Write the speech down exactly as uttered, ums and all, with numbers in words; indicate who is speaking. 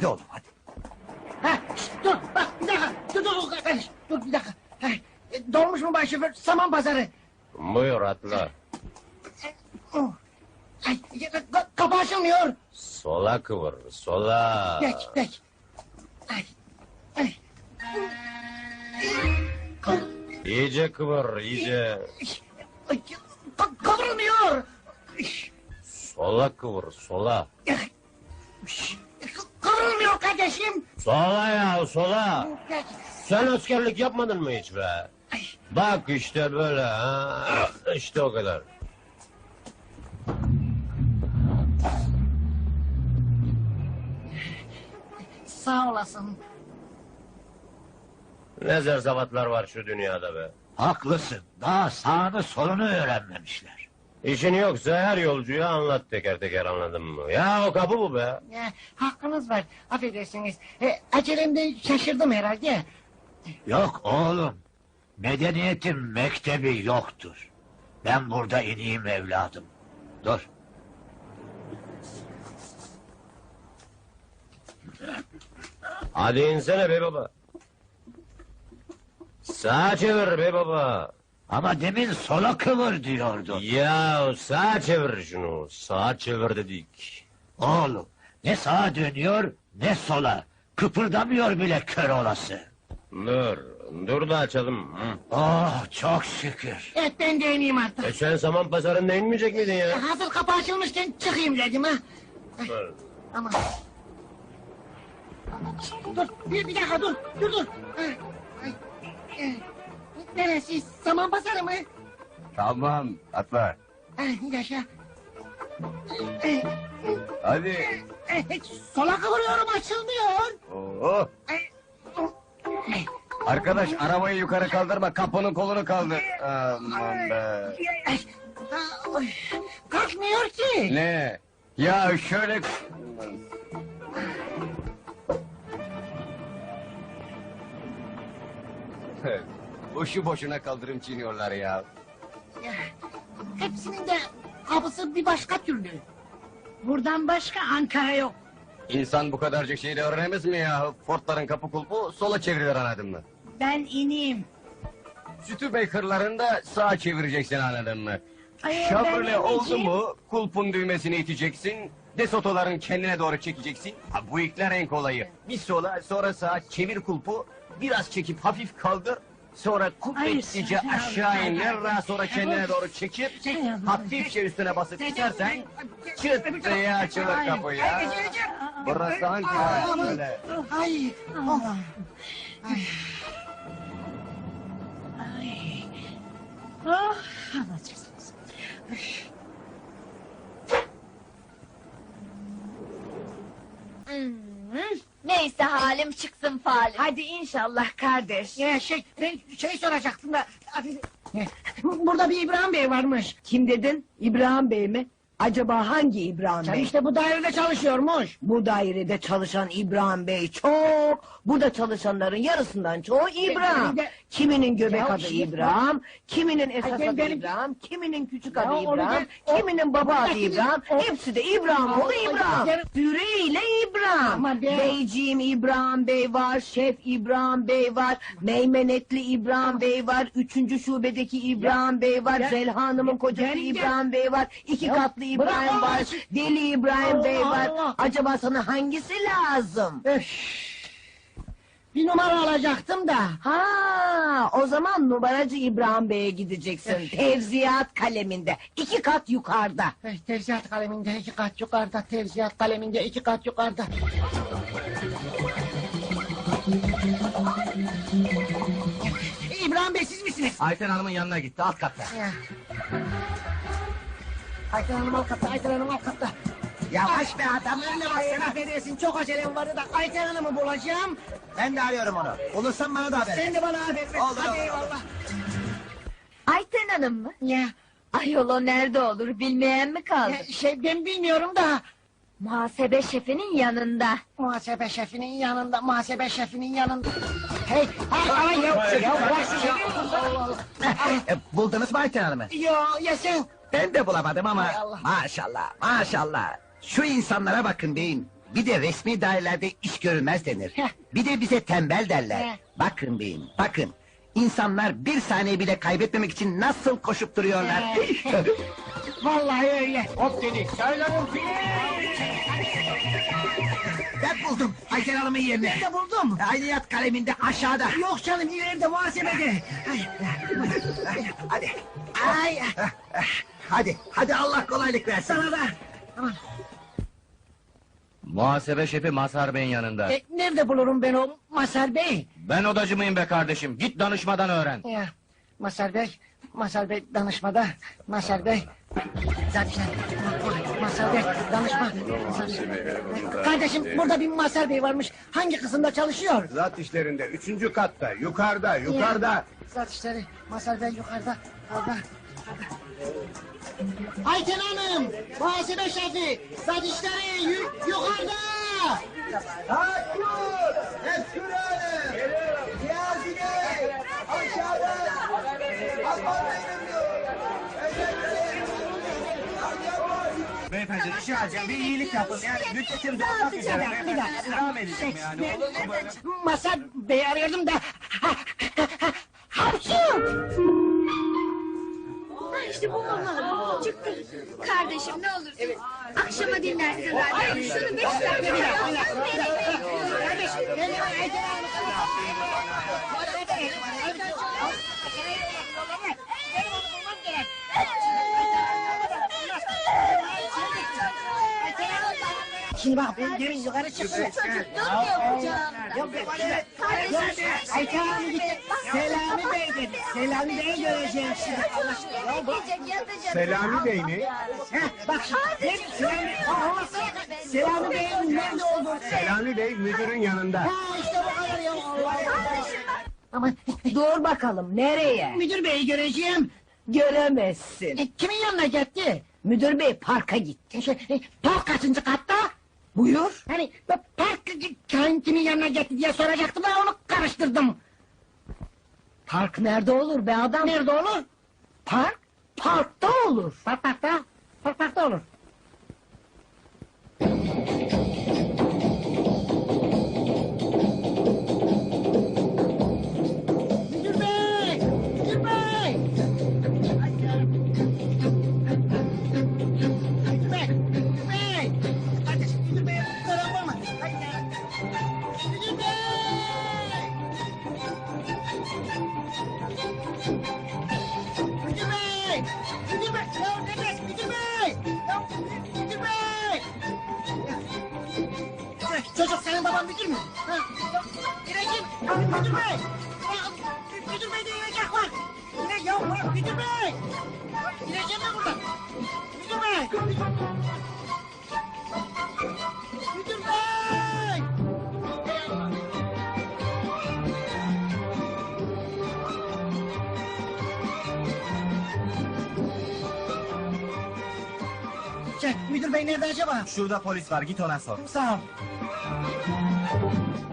Speaker 1: oğlum hadi.
Speaker 2: Ha, şişt, dur bak bir dakika. Dur dur dur kardeş. Dur bir dakika. Ha, e, dolmuş mu baş şoför? Saman pazarı.
Speaker 3: Buyur atla.
Speaker 2: Oh. Ay, ka- kapı açılmıyor.
Speaker 3: Sola kıvır, sola.
Speaker 2: Geç geç. Ay. Ay. Ka-
Speaker 3: İyice kıvır, iyice.
Speaker 2: Ay, ka- Kıvrılmıyor.
Speaker 3: Sola kıvır, sola.
Speaker 2: Kıvrılmıyor kardeşim.
Speaker 3: Sola ya, sola.
Speaker 2: Geç.
Speaker 3: Sen askerlik yapmadın mı hiç be?
Speaker 2: Ay.
Speaker 3: Bak işte böyle ha. İşte o kadar.
Speaker 2: Sağ olasın.
Speaker 3: Ne zerzavatlar var şu dünyada be.
Speaker 1: Haklısın. Daha sağını solunu öğrenmemişler.
Speaker 3: İşin yoksa her yolcuya anlat teker teker, anladın mı? Ya o kapı bu be.
Speaker 2: Ya, hakkınız var. Affedersiniz. E, acelemde şaşırdım herhalde.
Speaker 1: Yok oğlum. Medeniyetin mektebi yoktur. Ben burada ineyim evladım. Dur.
Speaker 3: Hadi insene be baba. Sağa çevir be baba.
Speaker 1: Ama demin sola kıvır diyordun.
Speaker 3: Ya sağa çevir şunu. Sağa çevir dedik.
Speaker 1: Oğlum ne sağa dönüyor ne sola. Kıpırdamıyor bile kör olası.
Speaker 3: Dur. Dur da açalım. Hı.
Speaker 1: Oh çok şükür.
Speaker 2: Evet ben de ineyim artık.
Speaker 3: E sen saman pazarında inmeyecek miydin ya?
Speaker 2: E, hazır kapı açılmışken çıkayım dedim ha.
Speaker 3: Dur.
Speaker 2: Ama... Dur, bir, bir dakika dur, dur dur. Ay, ay, e, neresi? Saman pazarı mı?
Speaker 4: Tamam, atla.
Speaker 2: Ay, yaşa. E,
Speaker 4: Hadi.
Speaker 2: e, e, sola kıvırıyorum, açılmıyor.
Speaker 4: Oo.
Speaker 2: Ay, ay,
Speaker 4: Arkadaş arabayı yukarı kaldırma, kapının kolunu kaldır. Aman be.
Speaker 2: ay, ay, kalkmıyor ki.
Speaker 4: Ne? Ya şöyle... Boşu boşuna kaldırım çiğniyorlar ya.
Speaker 2: Ya, hepsinin de kapısı bir başka türlü. Buradan başka Ankara yok.
Speaker 4: İnsan bu kadarcık şeyi de öğrenemez mi ya? Fordların kapı kulpu sola çevirilir, anladın mı?
Speaker 2: Ben ineyim.
Speaker 4: Sütü Baker'larında sağa çevireceksin, anladın mı?
Speaker 2: Ay, ben
Speaker 4: Chevrolet oldu
Speaker 2: ineceğim.
Speaker 4: mu kulpun düğmesini iteceksin. Desotoların kendine doğru çekeceksin. Ha, bu ilkler en kolayı. Bir sola sonra sağa çevir kulpu. Biraz çekip hafif kaldır. Sonra kuvvetlice
Speaker 2: Ay,
Speaker 4: aşağı
Speaker 2: ay,
Speaker 4: indir.
Speaker 2: ay,
Speaker 4: Daha sonra
Speaker 2: ay,
Speaker 4: kendine
Speaker 2: ay,
Speaker 4: doğru çekip
Speaker 2: ay,
Speaker 4: hafifçe üstüne basıp
Speaker 2: ay,
Speaker 4: itersen
Speaker 2: ay,
Speaker 4: çıt diye açılır
Speaker 2: ay,
Speaker 4: kapı ya.
Speaker 2: ay, ay,
Speaker 4: Burası
Speaker 2: ay,
Speaker 4: Ankara
Speaker 2: ay,
Speaker 4: böyle.
Speaker 2: Ay, oh. Ay.
Speaker 5: Ay. Ah, anlatırsınız.
Speaker 6: Hmm, neyse halim çıksın falim.
Speaker 5: Hadi inşallah kardeş.
Speaker 2: Ya şey, ben şey soracaktım da... Burada bir İbrahim Bey varmış.
Speaker 5: Kim dedin? İbrahim Bey mi? Acaba hangi İbrahim
Speaker 2: Sen
Speaker 5: Bey?
Speaker 2: işte bu dairede çalışıyormuş.
Speaker 5: Bu dairede çalışan İbrahim Bey çok. Burada çalışanların yarısından çoğu İbrahim.
Speaker 2: benim de-
Speaker 5: Kiminin göbek
Speaker 2: Ya
Speaker 5: adı
Speaker 2: şimdi-
Speaker 5: İbrahim, kiminin esas
Speaker 2: ben-
Speaker 5: adı
Speaker 2: benim-
Speaker 5: İbrahim, kiminin küçük
Speaker 2: Ya
Speaker 5: adı
Speaker 2: onu
Speaker 5: İbrahim,
Speaker 2: ben- o-
Speaker 5: kiminin baba
Speaker 2: Ya
Speaker 5: adı
Speaker 2: şimdi-
Speaker 5: İbrahim.
Speaker 2: o-
Speaker 5: Hepsi de İbrahim oğlu
Speaker 2: Ya-
Speaker 5: İbrahim.
Speaker 2: Ya-
Speaker 5: Süreyle İbrahim.
Speaker 2: Ama ben-
Speaker 5: Beyciğim İbrahim Bey var, Şef İbrahim Bey var, Meymenetli İbrahim Bey var, üçüncü şubedeki İbrahim Bey var,
Speaker 2: Ya-
Speaker 5: Zelha Hanım'ın
Speaker 2: Ya-
Speaker 5: kocası
Speaker 2: Ya-
Speaker 5: İbrahim Bey var, iki
Speaker 2: Ya-
Speaker 5: katlı İbrahim
Speaker 2: Bırak
Speaker 5: var,
Speaker 2: o-
Speaker 5: Deli İbrahim Bey
Speaker 2: Allah
Speaker 5: var.
Speaker 2: Allah.
Speaker 5: Acaba sana hangisi lazım?
Speaker 2: Öf. Bir numara alacaktım da.
Speaker 5: Ha, o zaman numaracı İbrahim Bey'e gideceksin. Tevziyat kaleminde, iki kat yukarıda.
Speaker 2: Eh, Tevziyat kaleminde iki kat yukarıda, tevziyat kaleminde iki kat yukarıda. İbrahim Bey siz misiniz?
Speaker 4: Ayten Hanım'ın yanına gitti, alt katta.
Speaker 2: Ya. Ayten Hanım alt katta, Ayten Hanım alt katta.
Speaker 7: Yavaş be adam, önüne
Speaker 2: Ay,
Speaker 7: baksana.
Speaker 2: affedersin çok acelem vardı da Ayten Hanım'ı bulacağım.
Speaker 7: Ben de arıyorum onu. Bulursan bana da haber
Speaker 2: Sen
Speaker 7: et.
Speaker 2: de bana haber ver.
Speaker 7: Oldu,
Speaker 2: Hadi
Speaker 7: oldu,
Speaker 2: eyvallah.
Speaker 6: Ayten Hanım mı?
Speaker 2: Ya,
Speaker 6: Ayol o nerede olur bilmeyen mi kaldı?
Speaker 2: ya, şey ben bilmiyorum da.
Speaker 6: Muhasebe şefinin yanında.
Speaker 2: Muhasebe şefinin yanında, muhasebe şefinin yanında. Hey, ay, ay, ya, ya bırak şu şeyi. Allah Allah.
Speaker 7: E, buldunuz mu Ayten Hanım'ı?
Speaker 2: Yo, ya sen.
Speaker 7: Ben de bulamadım ama
Speaker 2: Hay Allah.
Speaker 7: maşallah, maşallah. Şu insanlara bakın deyin. Bir de resmi dairelerde iş görülmez denir.
Speaker 2: Heh.
Speaker 7: Bir de bize tembel derler.
Speaker 2: Heh.
Speaker 7: Bakın beyim, bakın. İnsanlar bir saniye bile kaybetmemek için nasıl koşup duruyorlar.
Speaker 2: Vallahi öyle.
Speaker 4: Hop dedik. Söylerim
Speaker 7: Ben buldum Ayten Hanım'ın yerini.
Speaker 2: Nerede buldum?
Speaker 7: Aynı yat kaleminde aşağıda.
Speaker 2: Yok canım ileride muhasebede. Ay,
Speaker 7: Hadi.
Speaker 2: ay,
Speaker 7: Hadi, hadi Allah kolaylık versin.
Speaker 2: sana da. Aman.
Speaker 8: Muhasebe şefi Mazhar Bey'in yanında.
Speaker 2: E, nerede bulurum ben o Mazhar Bey?
Speaker 8: Ben odacı mıyım be kardeşim? Git danışmadan öğren.
Speaker 2: Ya, Mazhar Bey, Mazhar Bey danışmada. Mazhar Bey. Zaten Mazhar Bey danışma. Mazhar Bey. Kardeşim burada bir Mazhar Bey varmış. Hangi kısımda çalışıyor?
Speaker 3: Zat işlerinde üçüncü katta, yukarıda, yukarıda.
Speaker 2: Zat işleri. Mazhar Bey yukarıda. Orada. Ayten Hanım, muhasebe şefi, zat işleri yu- yukarıda.
Speaker 7: Beyefendi rica edeceğim bir iyilik yapın. Yani müddetim
Speaker 2: Bir dakika, bir dakika. Şey, ben Mazhar Bey'i arıyordum da. Hapşu!
Speaker 6: İşte bu onlar. Çıktı. Kardeşim ne olursun. Akşama dinlersin zaten. Şunu beş dakika
Speaker 2: Bir dakika, bir dakika, bir
Speaker 6: yapsın.
Speaker 2: dakika. Kardeşim, benim Ayten Hanım. Benim onu bulmam gerek. Şimdi bak ben demin yukarı çıktım.
Speaker 6: Durmuyor hocam.
Speaker 2: Yok yok yok. Ayten Hanım gitti. Selami Bey dedi. Selami Bey'i göreceğim şimdi. Allah aşkına. Ya bak.
Speaker 6: Yiyecek yatacak.
Speaker 3: Selami Bey mi?
Speaker 2: Heh, bak şimdi. Demin Selami, Aa, Selami Bey'in nerede olduğunu.
Speaker 3: Selami Bey müdürün yanında.
Speaker 2: Ha işte bu kadar ya. Allah Allah. Aman
Speaker 5: Dur bakalım nereye?
Speaker 2: müdür beyi göreceğim.
Speaker 5: Göremezsin.
Speaker 2: E, kimin yanına gitti?
Speaker 5: Müdür bey parka gitti.
Speaker 2: Şey, e, park kaçıncı katta?
Speaker 5: Buyur.
Speaker 2: Hani ben park kimin kimin yanına gitti diye soracaktım da onu karıştırdım.
Speaker 5: Park nerede olur be adam?
Speaker 2: Nerede olur?
Speaker 5: Park? Parkta olur.
Speaker 2: Park parkta. Park parkta olur. Müdür bey! Müdür bey! Müdür bey! Müdür bey! Kardeşim müdür bey! Kusura bakma. Hadi ya. Müdür bey! Müdür bey! Müdür bey! Ya nefes müdür bey! Ya müdür bey! Ya, çocuk senin baban müdür mü? Ha? Ya, İreciğim! Ya, müdür bey! Ya, müdür bey de İrecek var! İre, ya bırak müdür bey! İreciğim de burada! Müdür bey! Müdür bey! Şey, müdür bey nerede acaba?
Speaker 7: Şurada polis var git ona sor.
Speaker 2: Sağ ol.